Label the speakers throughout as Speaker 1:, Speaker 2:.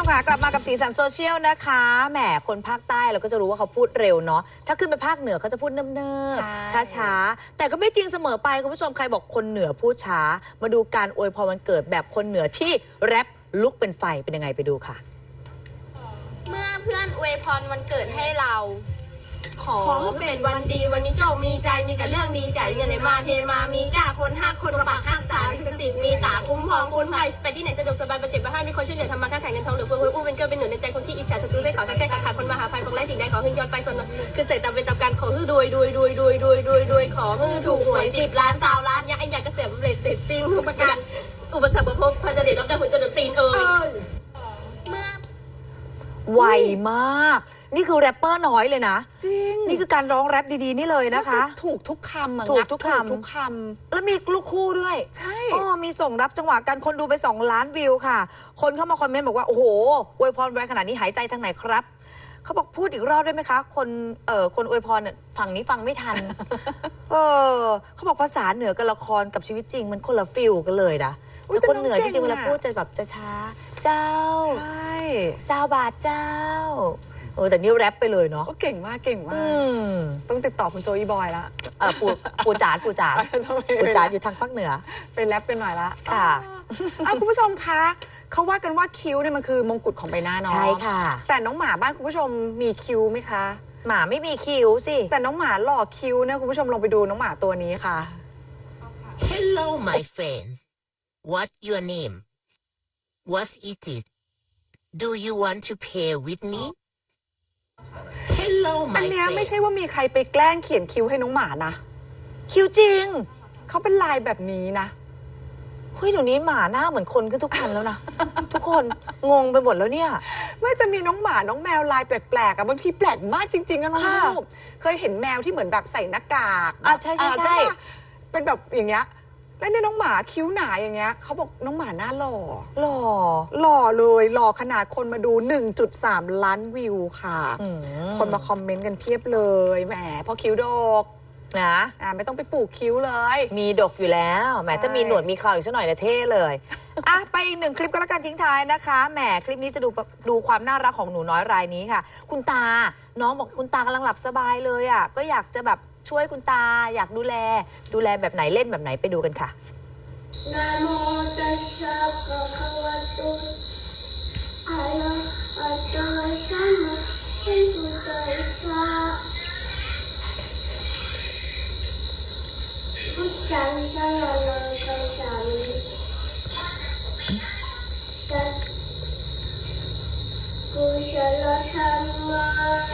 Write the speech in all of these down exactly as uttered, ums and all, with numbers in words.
Speaker 1: มค่ะกลับมากับสีสันโซเชียลนะคะแหมคนภาคใต้เราก็จะรู้ว่าเขาพูดเร็วเนาะถ้าขึ้นไปภาคเหนือเขาจะพูดเนิบๆช้าๆแต่ก็ไม่จริงเสมอไปคุณผู้ชมใครบอกคนเหนือพูดช้ามาดูการอวยพรวันเกิดแบบคนเหนือที่แรปลุกเป็นไฟเป็นยังไงไปดูค่ะ
Speaker 2: เมื่อเพื่อนอวยพรวันเกิดให้เราขอเป็นวันดีวันมีโชคมีใจมีแต่เรื่องดีใจเงินไหลมาเทมามีกล้าคนห้าคนปากห้าตามีสติมีตาคุ้มครองคุณภัยไปที่ไหนสะดวกสบายประเจ็บประห้ามีคนช่วยเหลือทำมาค้าขายเงินทองหรือเพื่อนคนอู้เป็นเกิดเป็นหนุนในใจคนที่อิจฉาศัตรูได้ขอทักแท้ขาดขาดคนมาหาไฟพงไร้สิ่งใดขอให้ย้อนไปส่วนคือเสร็จตามเป็นตามการขอฮือรวยรวยรวยรวยรวยรวยรวยขอฮือถูกหวยสิบล้านสาวล้านยักษ์ไอ้ยักษ์เกษตรเรศเสร็จสิ้นทุกประการอุปสรรคประพบพันธุ์เดชรับได้ผลจนตีนเอ่ย
Speaker 1: ไวมากนี่คือแรปเปอร์น้อยเลยนะ
Speaker 3: จริง
Speaker 1: นี่คือการร้องแรปดีๆนี่เลยนะคะ
Speaker 3: ถูกทุกคำ
Speaker 1: ถูกทุกคำ
Speaker 3: ทุกคำ
Speaker 1: แล้วมีลูกคู่ด้วย
Speaker 3: ใช่
Speaker 1: อ๋อมีส่งรับจังหวะกันคนดูไปสองล้านวิวค่ะคนเข้ามาคอมเมนต์บอกว่าโอ้โหอวยพรไวขนาดนี้หายใจทางไหนครับเขาบอกพูดอีกรอบได้ไหมคะคนเอ่อคนอวยพรเนี่ยฝั่งนี้ฟังไม่ทันเออเขาบอกภาษาเหนือกับละครกับชีวิตจริงมันคนละฟิลกันเลยนะแต่คนเหนือจริงๆเวลาพูดจะแบบจะช้าเจ้า
Speaker 3: ใช่
Speaker 1: ซาวบาทเจ้าเออแต่นี่แรปไปเลยเนาะ
Speaker 3: ก็เก่งมากเก่งมากต้องติดต่อคุณโจอีบอยละ
Speaker 1: เออปูปูจ๋าปูจ๋าปูจ๋าอยู่ทางภาคเหนือ
Speaker 3: ไปแรปกันหน่อยละ
Speaker 1: ค่ะ
Speaker 3: คุณผู้ชมคะเขาว่ากันว่าคิ้วเนี่ยมันคือมงกุฎของใบหน้าเนาะ
Speaker 1: ใช่ค่ะ
Speaker 3: แต่น้องหมาบ้านคุณผู้ชมมีคิ้วไหมคะ
Speaker 1: หมาไม่มีคิ้วสิ
Speaker 3: แต่น้องหมาหล่อคิ้วนะคุณผู้ชมลองไปดูน้องหมาตัวนี้ค่ะ
Speaker 4: Hello my friend What your name What is it Do you want to play with me Hello my
Speaker 3: อันเนี้ยไม่ใช่ว่ามีใครไปแกล้งเขียนคิ้วให้น้องหมานะ
Speaker 1: คิ้วจริง
Speaker 3: เขาเป็นลายแบบนี้นะ
Speaker 1: เฮ้ยเดี๋ยวนี้หมาหน้าเหมือนคนขึ้นทุกคันแล้วนะ ทุกคนงงไปหมดแล้วเนี่ย
Speaker 3: ไม่จะมีน้องหมาน้องแมวลายแปลกๆอะบางทีแปลกมากจริงๆนะน้องลูกเคยเห็นแมวที่เหมือนแบบใส่หน้ากาก
Speaker 1: อ่ะใช่ใช่ใช่
Speaker 3: เป็นแบบอย่างเงี้ยแล้วเนี่ยน้องหมาคิ้วหนาอย่างเงี้ยเขาบอกน้องหมาหน้าหล่อ
Speaker 1: หล่อ
Speaker 3: หล่อเลยหล่อขนาดคนมาดู หนึ่งจุดสาม ล้านวิวค่ะคนมาคอมเมนต์กันเพียบเลยแหมพอคิ้วดก
Speaker 1: นะ
Speaker 3: อ่าไม่ต้องไปปลูกคิ้วเลย
Speaker 1: มีดกอยู่แล้วแหมจะมีหนวดมีเคราอีกสักหน่อยนะเท่เลยอ่ะไปอีกหนึ่งคลิปก็แล้วกันทิ้งท้ายนะคะแหมคลิปนี้จะดูดูความน่ารักของหนูน้อยรายนี้ค่ะคุณตาน้องบอกคุณตากำลังหลับสบายเลยอ่ะก็อยากจะแบบช่วยคุณตาอยากดูแลดูแลแบบไหนเล่นแบบไหนไปดูกันค่ะนะโมตัสสะภะคะวะโตอะระหะโตสัมมาสัมพุทธัสสะพุทธังสรณังคัจฉามิตัสกุศลธัมมัง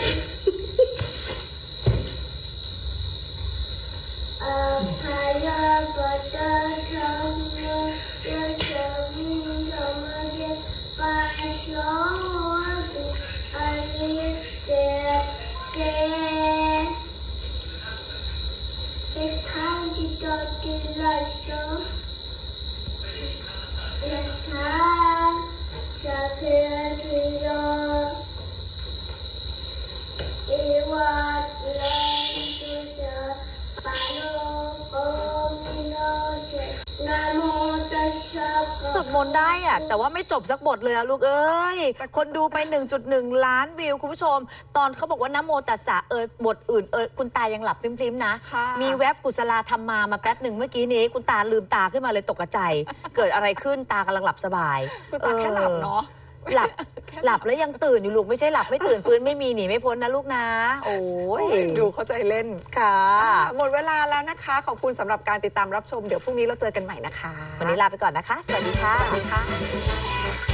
Speaker 1: อภัยปัตตาธัมมังยัสสมิงสัมมาเดปัสสาวะตุอะริเตเตอิทังจิตติลัสสะยะถาสัพเพทิโยอิวัตลันตุจาปะโลโกมิโนเจนะโมตัสสะสวดมนต์ได้อะแต่ว่าไม่จบสักบทเลยอะลูกเอ้ยคนดูไป หนึ่งจุดหนึ่ง ล้านวิวคุณผู้ชมตอนเขาบอกว่านะโมตัสสะเออบทอื่นเออคุณตายังหลับพริ้มๆนะมีแวบกุศลาธรรมามาแป๊บหนึ่งเมื่อกี้นี้คุณตาลืมตาขึ้นมาเลยตกใจเกิดอะไรขึ้นตากำลังหลับสบาย
Speaker 3: คุณตาแค่หลับเนาะ
Speaker 1: หลับหลับแล้วยังตื่นอยู่ลูกไม่ใช่หลับไม่ตื่นฟื้นไม่มีหนีไม่พ้นนะลูกนะโอ้ย
Speaker 3: ดูเข้าใจเล่น
Speaker 1: ค่ะ
Speaker 3: หมดเวลาแล้วนะคะขอบคุณสำหรับการติดตามรับชมเดี๋ยวพรุ่งนี้เราเจอกันใหม่นะคะ
Speaker 1: วันนี้ลาไปก่อนนะคะสวัสดีค่ะ
Speaker 3: สวัสดีค่ะ